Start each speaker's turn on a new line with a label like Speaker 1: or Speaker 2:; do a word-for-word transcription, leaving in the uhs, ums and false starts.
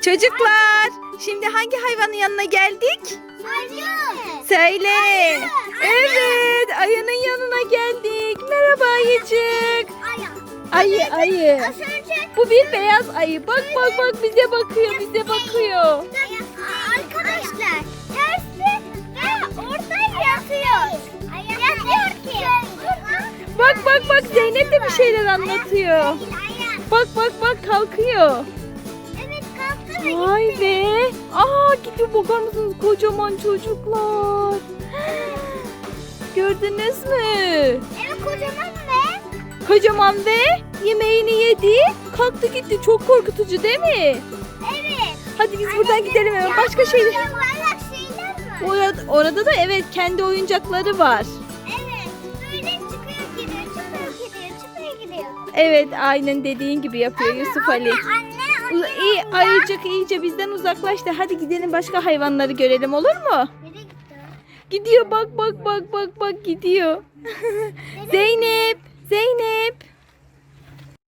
Speaker 1: Çocuklar, şimdi hangi hayvanın yanına geldik?
Speaker 2: Ayı.
Speaker 1: Söyle.
Speaker 2: Ayı.
Speaker 1: Evet, ayının yanına geldik. Merhaba ayıcık.
Speaker 2: Ayı.
Speaker 1: Ayı, ayı.
Speaker 2: Az önce
Speaker 1: Bu bir beyaz ayı. Bak bak bak bize bakıyor, bize bakıyor.
Speaker 2: arkadaşlar tersi ve orada yatıyor. Yatıyor ki.
Speaker 1: Bak bak bak Zeynep de bir şeyler anlatıyor. Bak bak bak kalkıyor.
Speaker 2: Evet kalktı ve
Speaker 1: Vay
Speaker 2: gitti.
Speaker 1: be. Aa gidiyor, bakar mısınız kocaman çocuklar. Gördünüz mü?
Speaker 2: Evet kocaman ve
Speaker 1: Kocaman ve yemeğini yedi. Kalktı gitti. Çok korkutucu değil mi?
Speaker 2: evet.
Speaker 1: Hadi biz buradan gidelim hemen. Başka şey.
Speaker 2: Yuvarlak şeyler var.
Speaker 1: Orada, orada da evet kendi oyuncakları var.
Speaker 2: Evet. Böyle çıkıyor gidiyor, çıkıyor gidiyor, çıkıyor gidiyor.
Speaker 1: Evet aynen dediğin gibi yapıyor Yusuf Ali.
Speaker 2: Anne, anne,
Speaker 1: Uz-
Speaker 2: anne.
Speaker 1: İyi ayıcık iyice bizden uzaklaştı. Hadi gidelim başka hayvanları görelim, olur mu?
Speaker 2: Nereye gitti?
Speaker 1: Gidiyor bak bak bak bak bak gidiyor. Zeynep, Zeynep.